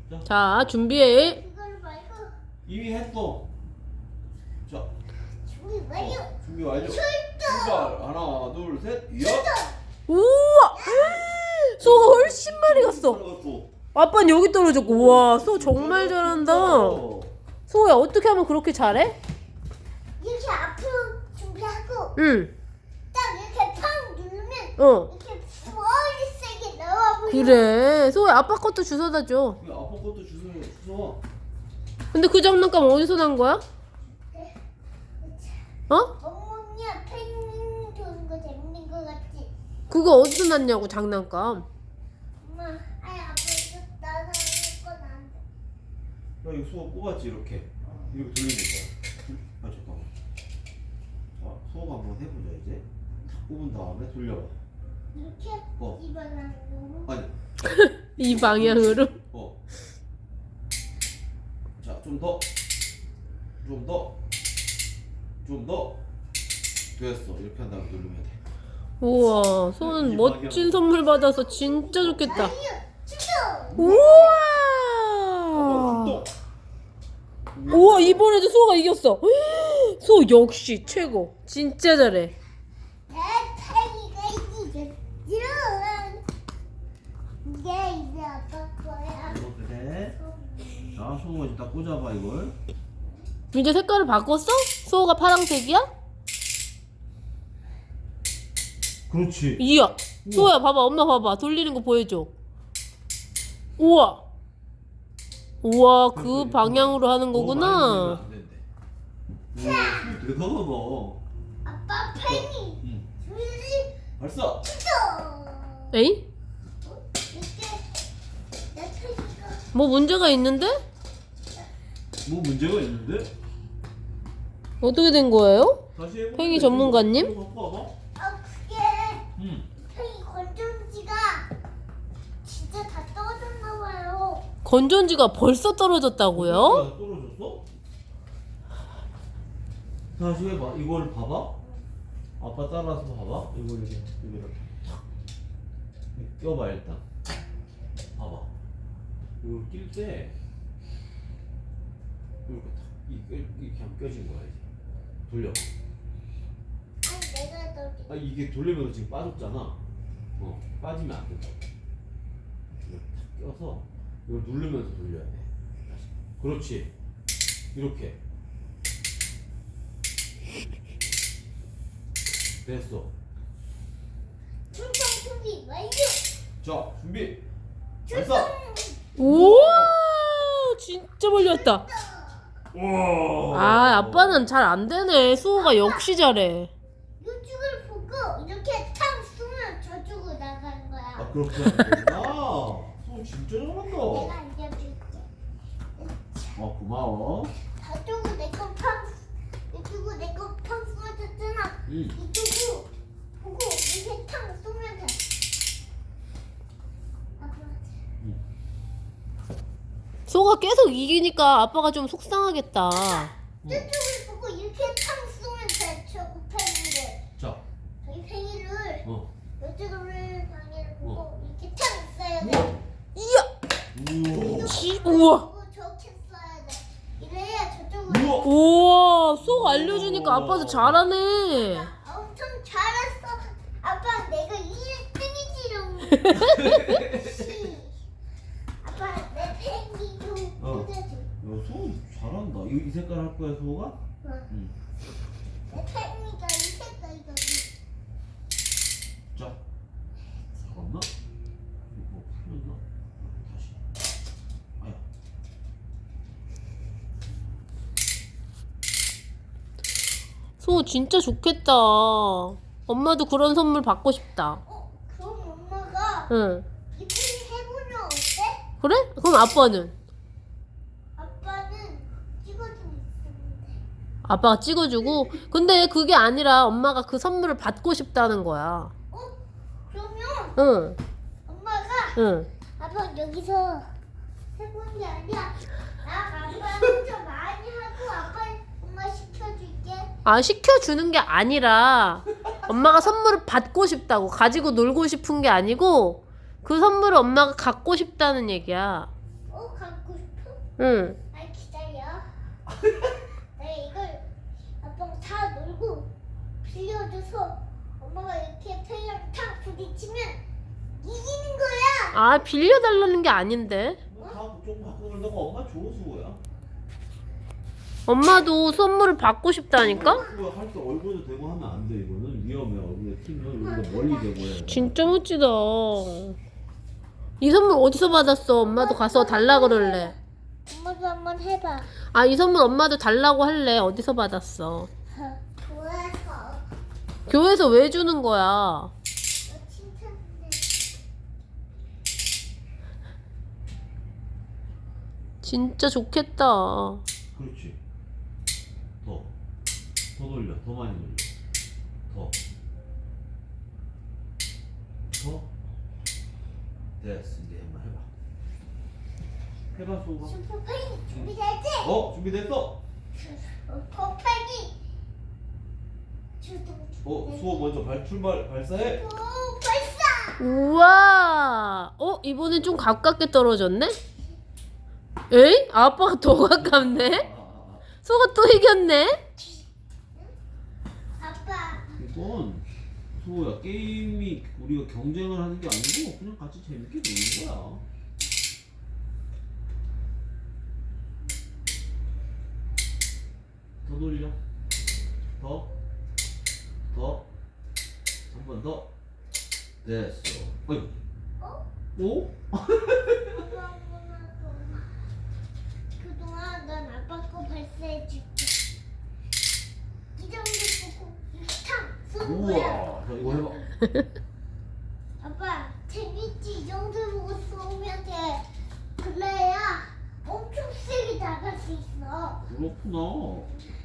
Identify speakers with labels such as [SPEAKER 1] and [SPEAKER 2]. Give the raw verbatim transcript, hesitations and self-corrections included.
[SPEAKER 1] 자,
[SPEAKER 2] 자, 준비해.
[SPEAKER 3] 그걸 말고
[SPEAKER 1] 이미 했어. 자,
[SPEAKER 3] 준비 완료.
[SPEAKER 1] 어, 준비 완료.
[SPEAKER 3] 출동.
[SPEAKER 1] 출발. 하나, 둘, 셋. 야!
[SPEAKER 2] 우와! 소가 훨씬 많이 갔어.
[SPEAKER 1] 들어갔어.
[SPEAKER 2] 아빠는 여기 떨어졌고. 우와, 소 정말 잘한다.
[SPEAKER 1] 어.
[SPEAKER 2] 소야, 어떻게 하면 그렇게 잘해?
[SPEAKER 3] 이렇게 앞으로 준비하고
[SPEAKER 2] 응.
[SPEAKER 3] 딱 이렇게 팡 누르면
[SPEAKER 2] 어.
[SPEAKER 3] 이렇게 머리 세게 나와 보여.
[SPEAKER 2] 그래. 소야, 아빠 것도 주워다 줘.
[SPEAKER 1] 그 아빠 것도 주워. 주워.
[SPEAKER 2] 근데 그 장난감 어디서 난 거야? 어?
[SPEAKER 3] 어머니야 펜 도는 거 재밌는 거 같지?
[SPEAKER 2] 그거 어디서 났냐고, 장난감.
[SPEAKER 3] 엄마, 아이 아빠 이거 나는 건 안 돼.
[SPEAKER 1] 야, 이거 수호 뽑았지 이렇게. 이렇게 돌리는 거야. 아 잠깐만. 자, 수호가 한번 해보자 이제. 탁 뽑은 다음에 돌려봐.
[SPEAKER 3] 이렇게
[SPEAKER 1] 어.
[SPEAKER 3] 입안으로.
[SPEAKER 1] 아니.
[SPEAKER 2] 이 방향으로.
[SPEAKER 1] 어. 자, 좀 더. 좀 더. 좀 더. 됐어. 이렇게 한 다음에 누르면 돼.
[SPEAKER 2] 우와, 소는 멋진 선물 받아서 진짜 좋겠다.
[SPEAKER 3] 아니요, 출동.
[SPEAKER 2] 우와!
[SPEAKER 1] 어,
[SPEAKER 2] 우와, 이번에도 소가 이겼어. 소 역시 최고. 진짜 잘해.
[SPEAKER 3] 대팽이가 이기겠지롱. 이게 이제 아빠 거야.
[SPEAKER 1] 이거 그래. 자, 수호가 이제 딱 꽂아봐 이걸.
[SPEAKER 2] 이제 색깔을 바꿨어? 소가 파란색이야?
[SPEAKER 1] 그렇지.
[SPEAKER 2] 이야. 소야, 봐봐. 엄마 봐봐. 돌리는 거 보여줘. 우와. 우와, 그 방향으로 하는 거구나.
[SPEAKER 1] 안 된대. 우와, 대단하다.
[SPEAKER 3] 아빠 팽이.
[SPEAKER 1] 응.
[SPEAKER 3] 둘이
[SPEAKER 1] 발사.
[SPEAKER 3] 출동.
[SPEAKER 2] 에이?
[SPEAKER 3] 이게 내 팽이가.
[SPEAKER 2] 뭐 문제가 있는데?
[SPEAKER 1] 뭐 문제가 있는데?
[SPEAKER 2] 어떻게 된 거예요?
[SPEAKER 1] 다시 해볼게.
[SPEAKER 2] 팽이 전문가님?
[SPEAKER 1] 이거 갖고 와봐.
[SPEAKER 3] 아 그게
[SPEAKER 1] 응.
[SPEAKER 3] 팽이 건전지가 진짜 다 떨어졌나 봐요.
[SPEAKER 2] 건전지가 벌써 떨어졌다고요?
[SPEAKER 1] 떨어졌어? 다시 해봐. 이걸 봐봐. 아빠 따라서 봐봐. 이걸 이렇게 이거 이렇게 탁 껴봐 일단. 봐봐. 이걸 낄 때 이렇게 탁 이렇게 이렇게 하면 껴진 거야 이제. 돌려.
[SPEAKER 3] 아니 내가 떨어졌.
[SPEAKER 1] 아 이게 돌리면서 지금 빠졌잖아. 어 빠지면 안 된다. 이렇게 탁 껴서 이걸 누르면서 돌려야 돼. 다시. 그렇지. 이렇게. 됐어.
[SPEAKER 3] 출동 준비 완료.
[SPEAKER 1] 자 준비.
[SPEAKER 3] 출동.
[SPEAKER 1] 발사.
[SPEAKER 2] 우와, 진짜 멀리 왔다.
[SPEAKER 1] 와.
[SPEAKER 2] 아, 아빠는 잘 안 되네. 수호가 역시 잘해.
[SPEAKER 3] 이쪽을 보고 이렇게 탕 쏘면 저쪽으로 나가는 거야.
[SPEAKER 1] 아 그렇게 하는 거구나. 소 진짜 잘한다.
[SPEAKER 3] 내가 알려줄게.
[SPEAKER 1] 어 고마워.
[SPEAKER 3] 저쪽으로 내거 팡, 이쪽으로 내거 팡 쏘아줬잖아.
[SPEAKER 1] 응.
[SPEAKER 3] 이쪽으로 보고 이렇게 탕 쏘면 돼. 아빠.
[SPEAKER 2] 소가 계속 이기니까 아빠가 좀 속상하겠다.
[SPEAKER 3] 저쪽을 보고 이렇게 탕 쏘면 돼. 저 팽이를.
[SPEAKER 1] 자.
[SPEAKER 3] 저기 팽이를
[SPEAKER 1] 어.
[SPEAKER 3] 이쪽으로 방해를 보고
[SPEAKER 1] 어.
[SPEAKER 3] 이렇게 탕 쏴야 돼.
[SPEAKER 2] 이야.
[SPEAKER 1] 우와.
[SPEAKER 2] 지, 우와.
[SPEAKER 3] 보고 저렇게 쏴야 돼. 이래야 저쪽으로.
[SPEAKER 1] 우와.
[SPEAKER 2] 우와, 소가 알려주니까 아빠도 잘하네.
[SPEAKER 3] 엄청 잘했어. 아빠 내가 일 등이지롱. 아빠 내 팽이 좀
[SPEAKER 1] 어.
[SPEAKER 3] 꽂아줘.
[SPEAKER 1] 야소 잘한다. 이, 이 색깔 할 거야 소가?
[SPEAKER 3] 어.
[SPEAKER 1] 응.
[SPEAKER 3] 내 팽이가 이 색깔이거든.
[SPEAKER 1] 자. 잠깐만. 이거 풀렸나? 다시. 아야.
[SPEAKER 2] 소 진짜 좋겠다. 엄마도 그런 선물 받고 싶다.
[SPEAKER 3] 어? 그럼 엄마가
[SPEAKER 2] 응.
[SPEAKER 3] 이 팽이 해보면 어때?
[SPEAKER 2] 그래? 그럼 아빠는?
[SPEAKER 3] 아빠는 찍어주고 있었는데.
[SPEAKER 2] 아빠가 찍어주고. 근데 그게 아니라 엄마가 그 선물을 받고 싶다는 거야.
[SPEAKER 3] 어? 그러면
[SPEAKER 2] 응.
[SPEAKER 3] 엄마가
[SPEAKER 2] 응.
[SPEAKER 3] 아빠 여기서 해보는 게 아니야. 나 아빠 혼자 많이 하고 아빠 엄마 시켜줄게.
[SPEAKER 2] 아, 시켜주는 게 아니라 엄마가 선물을 받고 싶다고. 가지고 놀고 싶은 게 아니고 그 선물을 엄마가 갖고 싶다는 얘기야.
[SPEAKER 3] 어, 갖고 싶어?
[SPEAKER 2] 응.
[SPEAKER 3] 아 기다려. 내가 이걸 아빠가 다 놀고 빌려줘서 엄마가 이렇게 팽이랑 탁 부딪히면 이기는 거야.
[SPEAKER 2] 아, 빌려달라는 게 아닌데.
[SPEAKER 1] 뭐 다 조금 바꿔 놀다가 엄마 줘 수호야.
[SPEAKER 2] 엄마도 선물을 받고 싶다니까?
[SPEAKER 1] 수호야 할 때 얼굴도 대고 하면 안 돼. 이거는 위험해. 얼굴에 튀면 여기가 멀리 대고 해야 돼.
[SPEAKER 2] 진짜 멋지다. 이 선물 어디서 받았어? 엄마도 가서 달라 그럴래.
[SPEAKER 3] 엄마도 한번 해봐.
[SPEAKER 2] 아, 이 선물 엄마도 달라고 할래. 어디서 받았어?
[SPEAKER 3] 좋아서
[SPEAKER 2] 교회에서 왜 주는 거야?
[SPEAKER 3] 칭찬해.
[SPEAKER 2] 진짜 좋겠다.
[SPEAKER 1] 그렇지. 더. 더 돌려. 더 많이 돌려. 더. 더. 됐어. 이제 한번 해봐. 해봐 수호가.
[SPEAKER 3] 슈퍼팽이 준비됐지?
[SPEAKER 1] 어 준비됐어.
[SPEAKER 3] 슈퍼팽이 주동
[SPEAKER 1] 어 수호 먼저 발 출발 발사해.
[SPEAKER 3] 오 발사.
[SPEAKER 2] 우와. 어, 이번엔 좀 가깝게 떨어졌네? 에이? 아빠가 더 가깝네?
[SPEAKER 1] 아, 아, 아.
[SPEAKER 2] 소가 또 이겼네?
[SPEAKER 3] 아빠
[SPEAKER 1] 이건 수호야 게임이 우리가 경쟁을 하는 게 아니고 그냥 같이 재밌게 노는 거야. 더 돌려. 더. 더. 한 번 더. 됐어. 어이.
[SPEAKER 3] 어?
[SPEAKER 1] 오?
[SPEAKER 3] 아빠 그동안 난 아빠 거 발사해줄게. 이 정도 보고 탕 쏘는 거야.
[SPEAKER 1] 우와. 자 이거 해봐.
[SPEAKER 3] 아빠 재밌지? 이 정도 보고 쏘면 돼. 그래야 엄청 세게 나갈 수 있어.
[SPEAKER 1] 그렇구나.